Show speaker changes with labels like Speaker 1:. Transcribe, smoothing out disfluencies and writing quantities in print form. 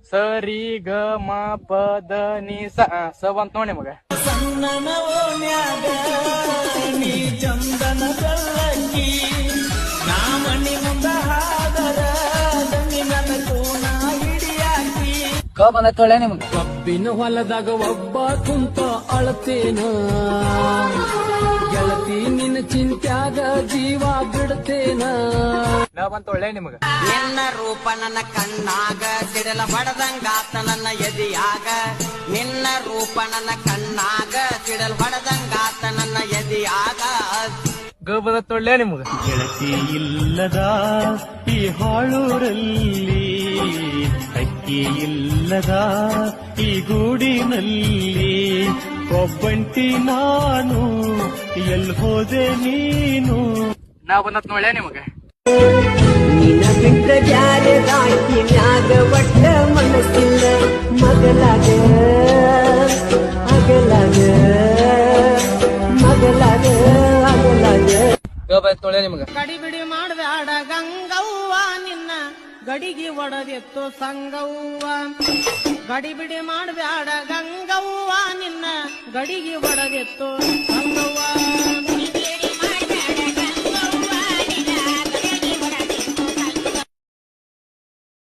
Speaker 1: ಸರಿ ಗ ಮ ಪದ ನಿ ಸ ಬಂತ ನೋಡಿ ಮಗ.
Speaker 2: ಸಣ್ಣನ ಓಣ್ಯಾಗ ನೀ ಚಂದನ ಬೆಳ್ಳಕ್ಕಿ ನಾ ಮಣ್ಣಿ ಮುಂದ ಹಾದರ ನನ್ನ ಕೋಣ ಹಿಡಿಯಾಕಿ.
Speaker 1: ಕ ಬಂದ ತೊಳೆ ನಿಮ್ಗೆ.
Speaker 2: ಕಬ್ಬಿನ ಹೊಲದಾಗ ಒಬ್ಬ ಕುಂತ ಅಳತೇನ ಗೆಳತಿ ನಿನ್ನ ಚಿಂತ್ಯಾಗ ಜೀವ ಬಿಡ್ತೇನ.
Speaker 1: ನ ಬಂತ ಒಳ್ಳೆ ನಿಮಗ.
Speaker 3: ನಿನ್ನ ರೂಪ ನನ್ನ ಕಣ್ಣಾಗ ಸಿಡಲ ಹೊಡೆದಂಗಾತ ನನ್ನ ಎದಿಯಾಗ. ನಿನ್ನ ರೂಪ ನನ್ನ ಕಣ್ಣಾಗ ಸಿಡಲ್ ಹೊಡೆದಂಗಾತ ನನ್ನ ಎದಿಯಾಗ.
Speaker 1: ಗ ಬಂದ ತೊಳ್ಳೆ ನಿಮಗ.
Speaker 2: ಗೆಳತಿ ಇಲ್ಲದ ಈ ಹಾಳೂರಲ್ಲಿ ಅಕ್ಕಿ ಇಲ್ಲದ ಈ ಗೂಡಿನಲ್ಲಿ ಒಬ್ಬಂಟಿ ನಾನು ಎಲ್ಲಿ ಹೋದೆ ನೀನು.
Speaker 1: ನಾ ಬಂದತ್ ನೋಡ್ಲೆ ನಿಮಗ.
Speaker 4: ನಿನ್ನ ಬಿಟ್ಟ ಬ್ಯಾರೆ ರಾಕಿ ಮ್ಯಾಗ ಒಟ್ಟ ಮನಸ್ಸಿಲ್ಲ ಮಗಲಾಗ ಅಗಲಾಗ ಮಗಲಾಗ ಅಗಲಾಗ.
Speaker 1: ಗ ಬಂದ ತೊಳ್ಳೆ ನಿಮಗ.
Speaker 5: ಗಡಿಬಿಡಿ ಮಾಡ್ಬ್ಯಾಡ ಗಂಗವ್ವ ನಿನ್ನ ಗಡಿಗೆ ಒಡದೆತ್ತು ಸಂಗವ್ವ. ಗಡಿಬಿಡಿ ಮಾಡ್ಬ್ಯಾಡ ಗಂಗವ್ವ ನಿನ್ನ ಗಡಿಗೆ ಒಡದೆತ್ತು